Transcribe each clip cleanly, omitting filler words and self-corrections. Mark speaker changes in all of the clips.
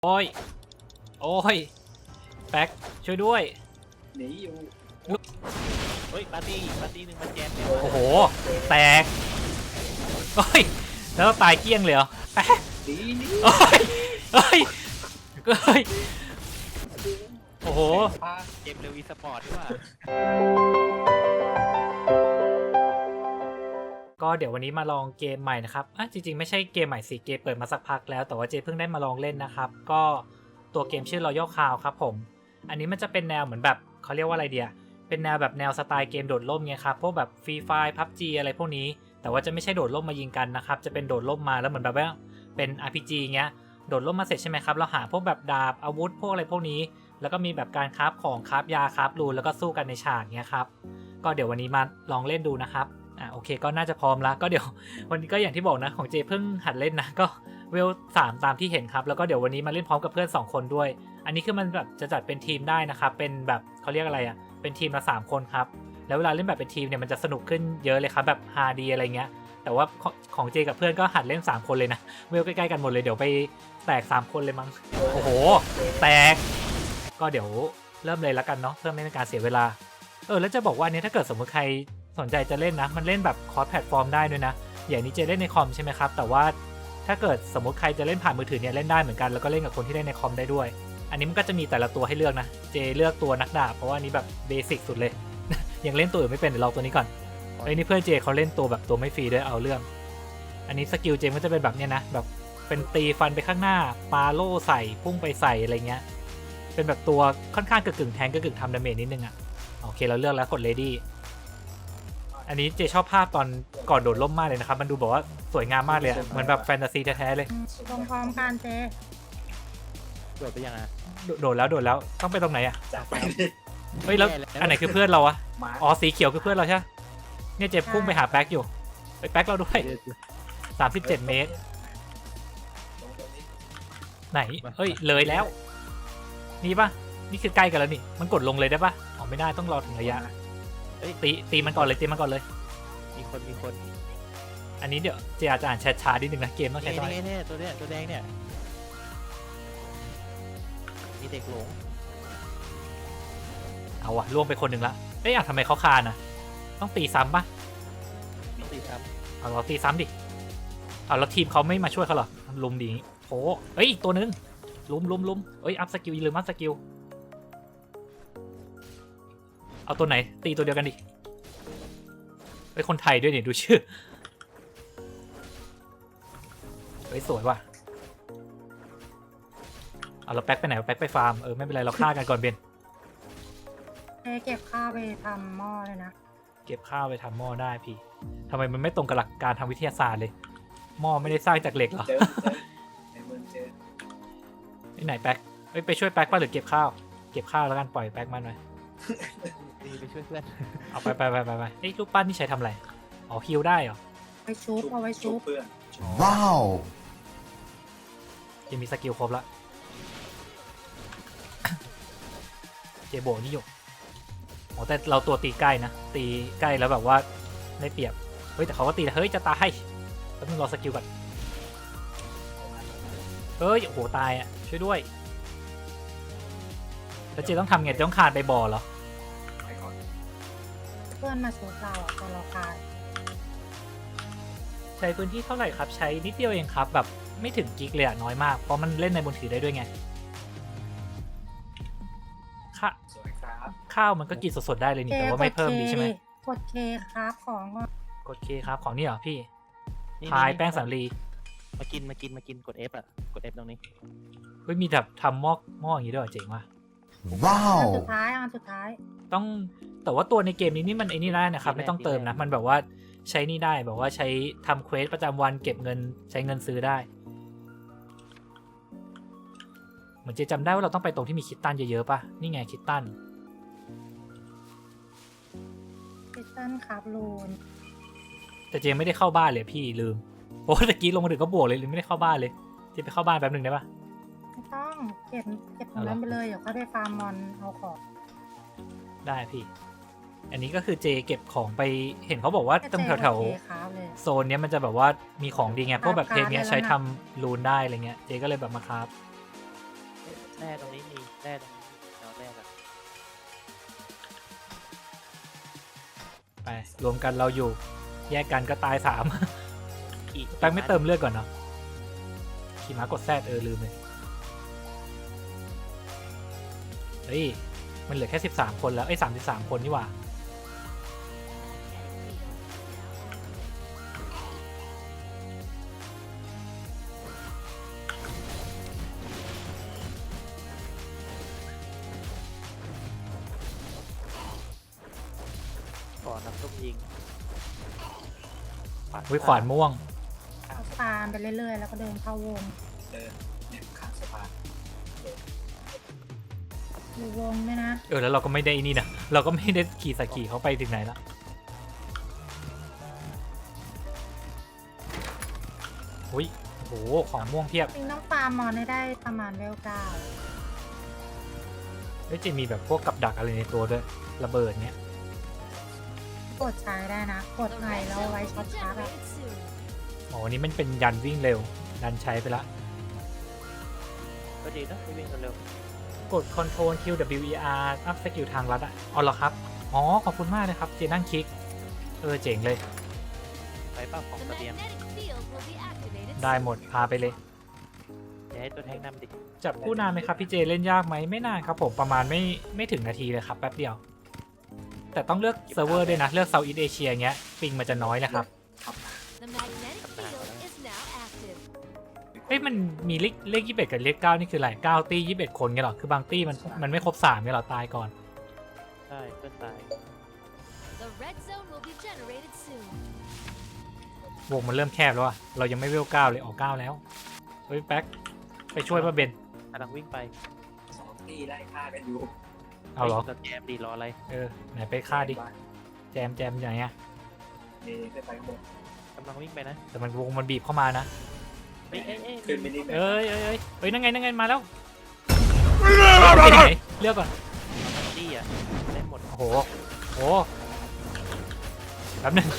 Speaker 1: โอ้ยโอ้ยแป๊กช่วยด้วย
Speaker 2: หนีอยู่
Speaker 3: เฮ้ยปาร์ตี้หนึ่งมันแจมเนี่ย
Speaker 1: โอ้โหแตกโอ้ยแล้วตายเกลี้ยงเลยเหรอแป๊ก
Speaker 2: หนีหนี
Speaker 1: โอ้ยโอ้ยโอ้ยโอ้โห
Speaker 2: พา
Speaker 3: เกมเร็วอีสปอร์ตด้วยว่า
Speaker 1: ก็เดี๋ยววันนี้มาลองเกมใหม่นะครับจริงๆไม่ใช่เกมใหม่สิเกมเปิดมาสักพักแล้วแต่ว่าเจเพิ่งได้มาลองเล่นนะครับก็ตัวเกมชื่อ Royal Crown ครับผมอันนี้มันจะเป็นแนวเหมือนแบบเขาเรียกว่าอะไรเดียเป็นแนวแบบแนวสไตล์เกมโดดร่มไงครับพวกแบบ Free Fire PUBG อะไรพวกนี้แต่ว่าจะไม่ใช่โดดร่มมายิงกันนะครับจะเป็นโดดร่มมาแล้วเหมือนแบบว่าเป็น RPG เงี้ยโดดร่มมาเสร็จใช่ไหมครับเราหาพวกแบบดาบอาวุธพวกอะไรพวกนี้แล้วก็มีแบบการคราฟของคราฟยาคราฟรูนแล้วก็สู้กันในฉากเงี้ยครับก็เดี๋ยววันนี้มาลองเล่นดูนะครับโอเคก็น่าจะพร้อมแล้วก็เดี๋ยววันนี้ก็อย่างที่บอกนะของเจเพิ่งหัดเล่นนะก็เวล3ตามที่เห็นครับแล้วก็เดี๋ยววันนี้มาเล่นพร้อมกับเพื่อน2คนด้วยอันนี้คือมันแบบจะจัดเป็นทีมได้นะครับเป็นแบบเขาเรียกอะไรอ่ะเป็นทีมละ3คนครับแล้วเวลาเล่นแบบเป็นทีมเนี่ยมันจะสนุกขึ้นเยอะเลยครับแบบฮาดีอะไรเงี้ยแต่ว่าของเจกับเพื่อนก็หัดเล่น3คนเลยนะเวลใกล้ๆกันหมดเลยเดี๋ยวไปแตก3คนเลยมั้งโอ้โหแตกก็เดี๋ยวเริ่มเลยแล้วกันเนาะเพื่อไม่เป็นการเสียเวลาแล้วจะบอกว่าอันนี้ถ้าเกิดสมมติใครสนใจจะเล่นนะมันเล่นแบบคอร์สแพลตฟอร์มได้ด้วยนะอย่างนี้เจเล่นในคอมใช่ไหมครับแต่ว่าถ้าเกิดสมมติใครจะเล่นผ่านมือถือเนี่ยเล่นได้เหมือนกันแล้วก็เล่นกับคนที่เล่นในคอมได้ด้วยอันนี้มันก็จะมีแต่ละตัวให้เลือกนะเจเลือกตัวนักดาบเพราะว่านี้แบบเบสิกสุดเลย ยังเล่นตัวอื่นไม่เป็นเดี๋ยวเราตัวนี้ก่อนนี่เพื่อนเจเขาเล่นตัวแบบตัวไม่ฟรีด้วยเอาเรื่องอันนี้สกิลเจก็จะเป็นแบบเนี้ยนะแบบเป็นตีฟันไปข้างหน้าปาโล่ใส่พุ่งไปใส่อะไรเงี้ยเป็นแบบตัวค่อนข้างกึ่งแทงกึ่งทำดาเมจนิดนึงอ่ะโอเคเราเลือกแล้วกด readyอันนี้เจชอบภาพตอนก่อนโดดร่มมากเลยนะครับมันดูบอกว่าสวยงามมากเลยเหมือนแบบแฟนตาซีแท้ๆเลย
Speaker 4: ลงพร้อมกันเจ
Speaker 3: โดดไปยังไง
Speaker 1: โดดแล้วต้องไปตรงไหนอ่ะ
Speaker 2: จากไปดิ
Speaker 1: เฮ้ยแล้วอันไหนคือเพื่อนเราอะ
Speaker 2: มา
Speaker 1: อ๋อสีเขียวคือเพื่อนเราใช่ไหมเนี่ยเจพุ่งไปหาแป๊กอยู่ไปแป๊กเราด้วย37 เมตร
Speaker 2: ลงตรงนี้
Speaker 1: ไหนเฮ้ยเลยแล้วนี่ปะนี่คือใกล้กันแล้วนี่มันกดลงเลยได้ปะอ๋อไม่ได้ต้องรอถึงระยะตีมันก่อนเลยตีมันก่อนเลย
Speaker 3: มีคน
Speaker 1: อันนี้เดี๋ยวเจอาจจะอ่านแชทช้านิดนึงนะเกมต้องใช้น้อย
Speaker 3: เนี่ยตัวแดงเนี่ยมีเด็กหลง
Speaker 1: เอาวะล่วงไปคนหนึ่งละเอ้ยทำไมเขาคานอะต้องตีซ้ำปะ
Speaker 3: ต้องตีซ้
Speaker 1: เอาเราตีซ้ำดิเอาแล้วทีมเขาไม่มาช่วยเขาเหรอลุมดีโอ้เอ้ยอีกตัวนึงลุมเอ้ยอัพสกิลอย่าลืมอัพสกิลเอาตัวไหนตีตัวเดียวกันดิเฮ้ยคนไทยด้วยเนี่ยดูชื่อเฮ้ยสวยว่ะเอาเราแป๊กไปไหนแป๊กไปฟาร์มไม่เป็นไรเราฆ่ากันก่อนเบน
Speaker 4: เจเก็บข้าวไปทำหม้อเลยนะ
Speaker 1: เก็บข้าวไปทำหม้อได้พี่ทำไมมันไม่ตรงกับหลักการทางวิทยาศาสตร์เลยหม้อไม่ได้สร้างจากเหล็กเหรอ
Speaker 2: เจอในเมืองเจอ
Speaker 1: ที่ไหนแป๊กไปช่วยแป๊กป่ะหรือเก็บข้าวแล้วกันปล่อยแป๊กมันหน่อย
Speaker 3: ำตีไปช่วยเพื่อน
Speaker 1: เอาไปเอ้ยรูปปั้นนี่ใช้ทำอะไรอ๋อฮิลได้เหรอ
Speaker 4: ไปชุบเอาไว้ชุบ
Speaker 2: เพื่อน
Speaker 5: ว้าว
Speaker 1: ยังมีสกิลครบละ เจโบนี่อยู่อ๋อแต่เราตัวตีใกล้นะตีใกล้แล้วแบบว่าได้เปรียบเฮ้ยแต่เขาก็ตีนะเฮ้ยจะตายแล้วมึงรอสกิลก่อนเฮ้ยโอ้โหตายอ่ะช่วยด้วยแล้วเจต้องทำไงต้องคานไปบ่อเหรอ
Speaker 2: ไปก่อน
Speaker 4: เพื่อนมาชุบเราอ่ะตอนเราคาย
Speaker 1: ใช้พื้นที่เท่าไหร่ครับใช้นิดเดียวเองครับแบบไม่ถึงกิกเลยอะน้อยมากเพราะมันเล่นในมือถือได้ด้วยไง
Speaker 2: สวยครับ
Speaker 1: ข้าวมันก็กินสดๆได้เลยนี่แต่ว่าไม่เพิ่มดีใช่ไหม
Speaker 4: กดเคครับของก็
Speaker 1: กดเคครับของนี่เหรอพี่พายแป้งสาลี
Speaker 3: มากินกด F อ่ะกด F ตรงนี้
Speaker 1: เฮ้ยมีแบบทำหม้ออย่างนี้ด้วยเหรอเจ๋งว่ะ
Speaker 5: ว้าว
Speaker 4: อันสุดท้าย
Speaker 1: ต้องแต่ว่าตัวในเกมนี้นี่มันไอ้นี่ได้นะครับไม่ต้องเติมนะมันแบบว่าใช้นี่ได้แบบว่าใช้ทำเควสประจำวันเก็บเงินใช้เงินซื้อได้เหมือนเจจำได้ว่าเราต้องไปตรงที่มีคิตตันเยอะๆป่ะนี่ไงคิตตัน
Speaker 4: คิตตันครับลูน
Speaker 1: แต่เจไม่ได้เข้าบ้านเลยพี่ลืมโอ้ตะกี้ลงมาถึงก็บวกเลยไม่ได้เข้าบ้านเลยเจไปเข้าบ้านแป๊บหนึ่งได้ป่ะ
Speaker 4: ไม่ต้องเก็บตรงนั้นไปเลยเดี๋ยวก็ได้ฟาร์มมอนเอาของ
Speaker 1: ได้พี่อันนี้ก็คือเจเก็บของไปเห็นเขาบอกว่าตรงแถว
Speaker 4: เจกด K ครับเลย
Speaker 1: ๆโซนเนี้ยมันจะแบบว่ามีของดีไงพวกแบบเพลงเนี้ย
Speaker 4: ราคา
Speaker 1: ใช้
Speaker 4: เลยนะ
Speaker 1: ทำรูนได้อะไรเงี้ยเจก็เลยแบบมาครับ
Speaker 3: แร่ตรงนี้มีแร่ตรงนี้เอาแร่กัน
Speaker 1: ไปรวมกันเราอยู่ แยกกันก็ตาย3
Speaker 3: ขี่
Speaker 1: แป๊กไม่เติมเลือดก่อนเนาะขี่ม้ากดแซดลืมเลยเฮ้ยมันเหลือแค่13 คนแล้ว33 คนนี่หว่า
Speaker 3: ก่อนน้ำซุปยิง
Speaker 1: วิขวานม่วง
Speaker 4: เอาฟาร์มไปเรื่อยๆ แล้วก็เดินเข้าวง
Speaker 2: เดินเนี่ยข้างสะพาน
Speaker 4: อยู่วงด้วยนะ
Speaker 1: แล้วเราก็ไม่ได้นี่นะเราก็ไม่ได้ขี่สกีเขาไปถึงไหนแล้วอุ้ยโหของม่วงเพียบ
Speaker 4: จริงต้องฟาร์มมอนให้ได้ประมาณเลเวล9
Speaker 1: เฮ้ยจะมีแบบพวกกับดักอะไรในตัวด้วยระเบิดเนี้ย
Speaker 4: กดใช้ได้นะ กดไอแล้วไว้ช็อตชาร์จอะ
Speaker 1: อ๋ออันนี้มันเป็นยันวิ่งเร็วดันใช้ไปละ
Speaker 3: ก็ดีนะไม่วิ่งกันเร็ว
Speaker 1: กด Ctrl Q W E R อัพสกิลทางลัดอ่ะอ๋อเหรอครับอ๋อขอบคุณมากเลยครับเจนั่งคลิกเจ๋งเลย
Speaker 3: ไปเป้าของเสบียง
Speaker 1: ได้หมดพาไปเลย
Speaker 3: อย่าให้ตัวแทงนำดิ
Speaker 1: จับคู่นานไหมครับพี่เจเล่นยากไหมไม่นานครับผมประมาณไม่ถึงนาทีเลยครับแป๊บเดียว แต่ต้องเลือกเซิร์ฟเวอร์ด้วยนะเลือก Southeast Asia เงี้ยปิงมันจะน้อยนะครับ เฮ้ยมันมีเลข21กับเลข9นี่คืออะไร9ตี้21คนไงหรอคือบางตี้มันไม่ครบ3ไงหรอตายก่อน
Speaker 3: ใช่เพื่อนตายว
Speaker 1: งมันเริ่มแคบแล้วอะเรายังไม่เวล9เลยออก9แล้วเฮ้ยแป๊กไปช่วยป้าเบน
Speaker 3: กำลังวิ่งไป
Speaker 2: 2 ที่ไล่ฆ่ากันอยู่
Speaker 1: เอาเหรอ
Speaker 3: แจมดีรออะไร
Speaker 1: ไหนไปฆ่าดิแจมอย่างเงี้ย
Speaker 2: นี่ขึ้นไปข้างบน
Speaker 3: กำลังวิ่งไปนะ
Speaker 1: แต่มันวงมันบีบเข้ามานะ
Speaker 3: เอ้ย
Speaker 2: ขึ้นไปนี่แบบ
Speaker 1: เอ้ยนั่งไงมาแล้วเอาที่ไหนเลือกก่อน
Speaker 3: ดีอ่ะได้หมด
Speaker 1: โอ้โหแป๊บนึง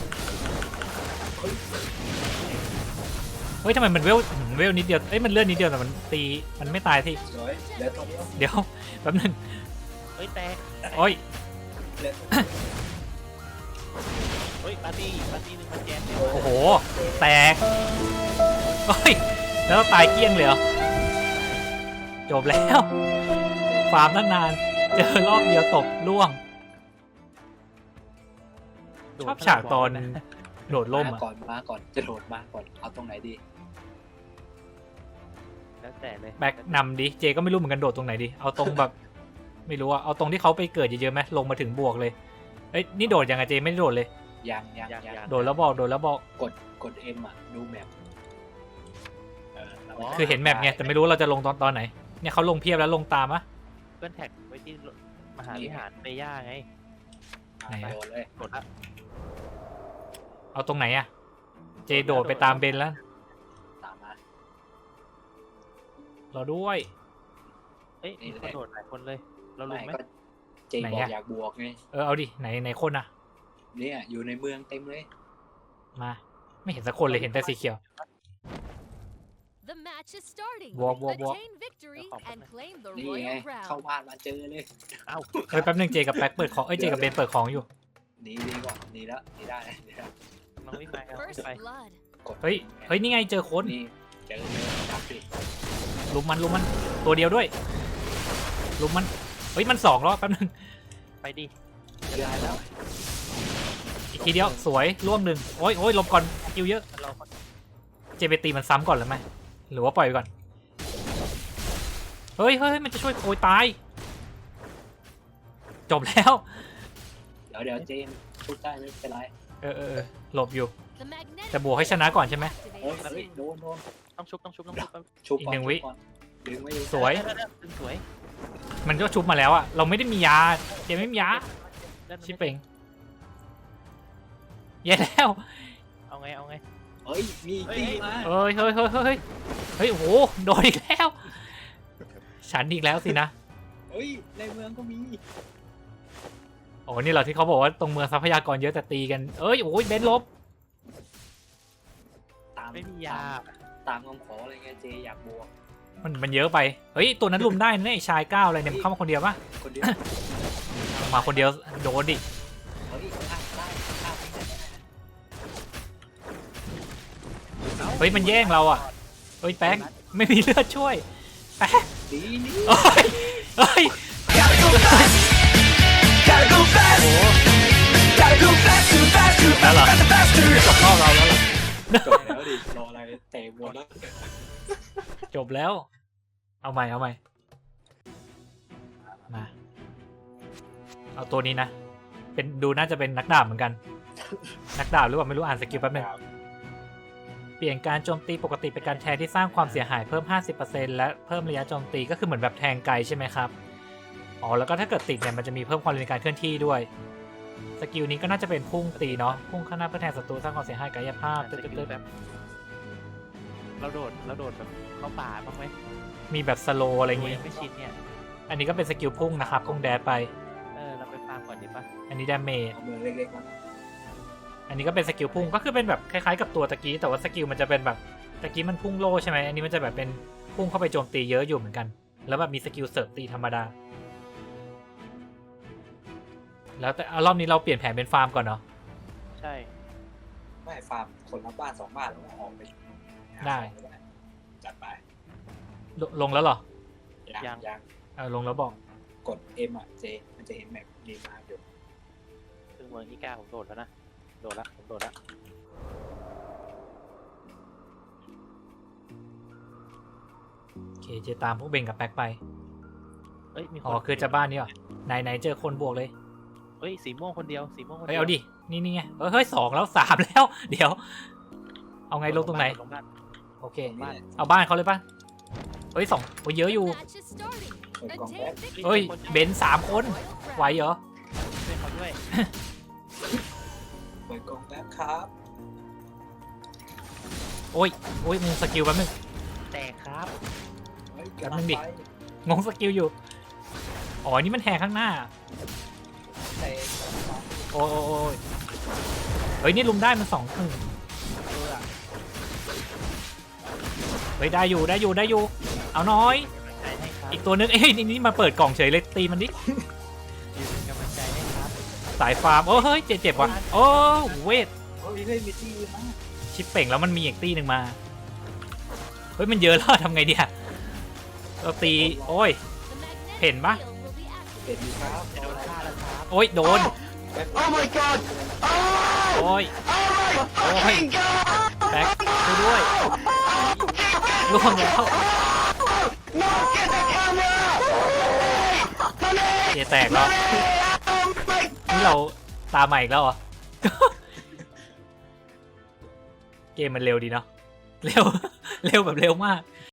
Speaker 1: เฮ้ยทำไมมันเวลนิดเดียวมันเลื่อนนิดเดียวแต่มันตีมันไม่ตายที่
Speaker 2: สวยเหลือตัวเดียว
Speaker 1: เดี๋ยวแป๊บนึง
Speaker 3: เฮ้ยแตก
Speaker 1: โอ้ย
Speaker 2: เหลือตัวเดียว
Speaker 3: เฮ้ยปาร์ตี้หนึ่งมันแจมเต็ม
Speaker 1: โอ้โหแตกโอ้ยแล้วตายเกลี้ยงเลยเหรอจบแล้วฟาร์มตั้งนานเจอรอบเดียวตกล่วงชอบฉากตอนโดดล่ม
Speaker 2: มา
Speaker 1: อ่ะ
Speaker 2: ก่อนจะโดดมาก่อนเอาตรงไหนดี
Speaker 3: แล้วแต่เลย
Speaker 1: แบ็กนำดิเจก็ไม่รู้เหมือนกันโดดตรงไหนดิเอาตรงแบบ ไม่รู้อะเอาตรงที่เขาไปเกิดเยอะๆไหมลงมาถึงบวกเลยเอ้ยนี่โดดยังไงเจไม่ได้โดดเลย
Speaker 2: ยัง
Speaker 1: โดดแล้วบอก
Speaker 2: กด M อ่ะดูแมป
Speaker 1: คือเห็นแมปไงแต่ไม่รู้เราจะลงตอนไหนเนี่ยเขาลงเพียบแล้วลงตามอะ
Speaker 3: เพื่อนแท็กไว้ที่มหาวิหารเมย่าไง
Speaker 1: ไหนอะ
Speaker 2: โดดเลย
Speaker 3: กดละ
Speaker 1: เอาตรงไหนอะเจโดดไปตามเบนแล้ว
Speaker 2: ตามมา
Speaker 1: รอด้วย
Speaker 3: เอ้ยมีคนโดดหลายคนเลยเรารู้ไหม
Speaker 2: ก็เจบอกอยากบวกไง
Speaker 1: เอาดิไหนคนอะ
Speaker 2: เนี่ยอยู่ในเมืองเต็มเลย
Speaker 1: มาไม่เห็นสักคนเลยเห็นแต่สีเขียว
Speaker 5: Walk.
Speaker 2: นี่ไงเข้าบ้านมาเจอเลย
Speaker 3: เอ้า
Speaker 1: เฮ้ยแป๊บนึงเจกับแบ็คเปิดของเจกับเบนเปิดของอยู่
Speaker 2: หนีดีกว่าหนีแล้วหนีได้หนีได้
Speaker 3: กำลังวิ่งไปครับวิ่งไป
Speaker 2: กด
Speaker 1: เฮ้ยนี่ไงเจอคน
Speaker 2: นี่เจอเลยจับดิ
Speaker 1: ลุมมันตัวเดียวด้วยลุมมันเฮ้ยมัน2รอบแป๊บนึง
Speaker 3: ไปดิ
Speaker 2: ได้แล้ว
Speaker 1: อีกทีเดียวสวยร่วงหนึ่งโอ้ยหลบก่อนคิวเยอะ
Speaker 3: เรา
Speaker 1: เจไปตีมันซ้ำก่อนหรือไม่หรือว่าปล่อยไปก่อนเฮ้ยมันจะช่วยโอยตายจบแล้ว
Speaker 2: เดี๋ยวเจมพูดได้ไม่เป็นไร
Speaker 1: หลบอยู่แต่บวกให้ชนะก่อนใช่ไหม
Speaker 2: เฮ้ยโดน
Speaker 3: ต้องชุบ
Speaker 2: ชุบ
Speaker 1: อีก
Speaker 2: ก่อน
Speaker 1: หนึ่งวิ
Speaker 2: ดึงไว้
Speaker 1: สวย
Speaker 3: ดึงสวย
Speaker 1: มันก็ชุบมาแล้วอะเราไม่ได้มียาเจไม่มียาชิปเป่งแย่แล้ว
Speaker 3: เอาไง
Speaker 2: เฮ้ยมีตีมา
Speaker 1: เฮ้ยโอ้โหโดนอีกแล้ว ฉันอีกแล้วสินะ
Speaker 2: เฮ้ยในเมืองก็มี
Speaker 1: โอ้นี่เหรอที่เขาบอกว่าตรงเมืองทรัพยากรเยอะแต่ตีกันโอ้ยเบนลบ
Speaker 2: ตาม
Speaker 3: ไม่มียา
Speaker 2: ตามคำขออะไรเงี้ยเจอยากบวก
Speaker 1: มันเยอะไปเฮ้ยตัวนั้นลุมได้นะไอ้ชายก้าวอะไรเนี่ยมันเข้ามาคนเดียวปะ
Speaker 2: คนเดียว
Speaker 1: มาคนเดียวโดนดิ
Speaker 2: เฮ้ยฆ่าได้ฆ่าไม่ได้
Speaker 1: เฮ้ยมันแย่งเราอ่ะเฮ้ยแป๊กไม่มีเลือดช่วยแป๊ก
Speaker 2: ดีนี่
Speaker 1: เฮ้ยเฮ้ย
Speaker 5: Gotta go fast.
Speaker 1: โอ้
Speaker 5: Gotta go fast, too fast, too
Speaker 1: แล้ว
Speaker 5: fast,
Speaker 1: เหรอ
Speaker 5: faster, faster.
Speaker 1: จบรอบเราแล้วเหรอ
Speaker 2: จบแล้วดิรออะไรเตะบอลแล้ว
Speaker 1: จบแล้ว เอาใหม่มาเอาตัวนี้นะเป็นดูน่าจะเป็นนักดาบเหมือนกัน นักดาบหรือเปล่าไม่รู้อ่านสกิลแป๊บนึงเปลี่ยนการโจมตีปกติเป็นการแทงที่สร้างความเสียหายเพิ่ม 50% และเพิ่มระยะโจมตีก็คือเหมือนแบบแทงไกลใช่ไหมครับอ๋อแล้วก็ถ้าเกิดติดเนี่ยมันจะมีเพิ่มความเร็วในการเคลื่อนที่ด้วยสกิลนี้ก็น่าจะเป็นพุ่งตีเนาะพุ่งข้างหน้าเพื่อแทงศัตรูสร้างความเสียหายกายภาพ
Speaker 3: สกิลแบบเราโดดแบบเข้าป่าบ้างไหม
Speaker 1: มีแบบสโลอะไรอย่างงี้
Speaker 3: ยังไม่ชินเนี่ย
Speaker 1: อันนี้ก็เป็นสกิลพุ่งนะครับพุ่งแดดไป
Speaker 3: เราไปฟาร์มก่อนดีปะ
Speaker 1: อันนี้ดาเมจ
Speaker 2: เอามือเล็กๆมา
Speaker 1: อันนี้ก็เป็นสกิลพุ่งก็คือเป็นแบบคล้ายๆกับตัวตะกี้แต่ว่าสกิลมันจะเป็นแบบตะกี้มันพุ่งโลใช่ไหมอันนี้มันจะแบบเป็นพุ่งเข้าไปโจมตีเยอะอยู่เหมือนกัน แล้วแบบมีสกิลเสริมตีธรรมดา แล้วแต่รอบนี้เราเปลี่ยนแผนเป็นฟาร์มก่อนเนาะ
Speaker 3: ใช่
Speaker 2: ไม่ฟาร์มคนละบ้าน2 บ้านแล้วออกไป
Speaker 1: ได้
Speaker 2: จัดไป
Speaker 1: ลงแล้วเหรอ
Speaker 2: ยัง
Speaker 1: ลงแล้วบอก
Speaker 2: กด M อ่ะเจมันจะเห็นแมปดีมาอยู่
Speaker 3: ซึ่งเมืองที่กล้าผมโดดแล้วนะผมโดดละ
Speaker 1: โอเคเจตามพวกเบงกับแป๊กไป
Speaker 3: เอ้ยมีคน
Speaker 1: อ๋อคือจะบ้านนี้เหรอไหนเจอคนบวกเลย
Speaker 3: เฮ้ยสีม่วงคนเดียวสีม่วงคน
Speaker 1: เฮ้ย
Speaker 3: เดียว
Speaker 1: เอาดินี่ไงเฮ้ย2แล้ว3แล้ว เดี๋ยว เอาไงลงตรงไหน
Speaker 3: ลงบ้าน
Speaker 1: โอเค
Speaker 2: นี่แหละ
Speaker 1: เอาบ้านเขาเลยปะเฮ้ยโอ้ยเยอะอยู่
Speaker 2: เปิดกล่องแป๊บ
Speaker 1: เฮ้ยเบนซ์3 คนไหวเหรอ
Speaker 3: ช่วยเขาด้วย
Speaker 2: เปิดกล่องแป๊บครับ
Speaker 1: โอ้ยงงสกิลแป๊บนึง
Speaker 3: แตกครับ
Speaker 2: เฮ้ย
Speaker 1: แป๊บนึงดิ งงสกิลอยู่ อ๋อ นี่มันแทงข้างหน้า
Speaker 2: เตะ
Speaker 1: โอ้ยเฮ้ย นี่ลุมได้มัน2 เฮ้ย ได้อยู่ เอาน้อย
Speaker 3: กำลังใจให้ครับ
Speaker 1: อีกตัวนึง เอ้ย นี่มาเปิดกล่องเฉยเลยตีมันดิ
Speaker 3: ยืนเป็นกำลังใจให้ครับ
Speaker 1: สายฟาร์ม โอ้เฮ้ย เจ็บว่ะ โอ้เวท
Speaker 2: เฮ้ยมีที่อื่นนะ
Speaker 1: ชิปเป่งแล้วมันมีอีกตีหนึ่งมา เฮ้ย มันเยอะแล้วทำไงดีอะเราตี โอ้ย เห็นปะ
Speaker 2: เด็ดดีครับ
Speaker 3: จะโดนฆ่าแล้วครับ
Speaker 1: โอ้ย โดน
Speaker 2: แป๊บ
Speaker 5: Oh my god.
Speaker 1: โอ้ย โอ้ย แบ็คช่วยด้วยล่วงแล้ว เจแตกแล้ว นี่เราตามใหม่อีกแล้วเหรอ เกมมันเร็วดีเนาะ เร็วแบบเร็วมาก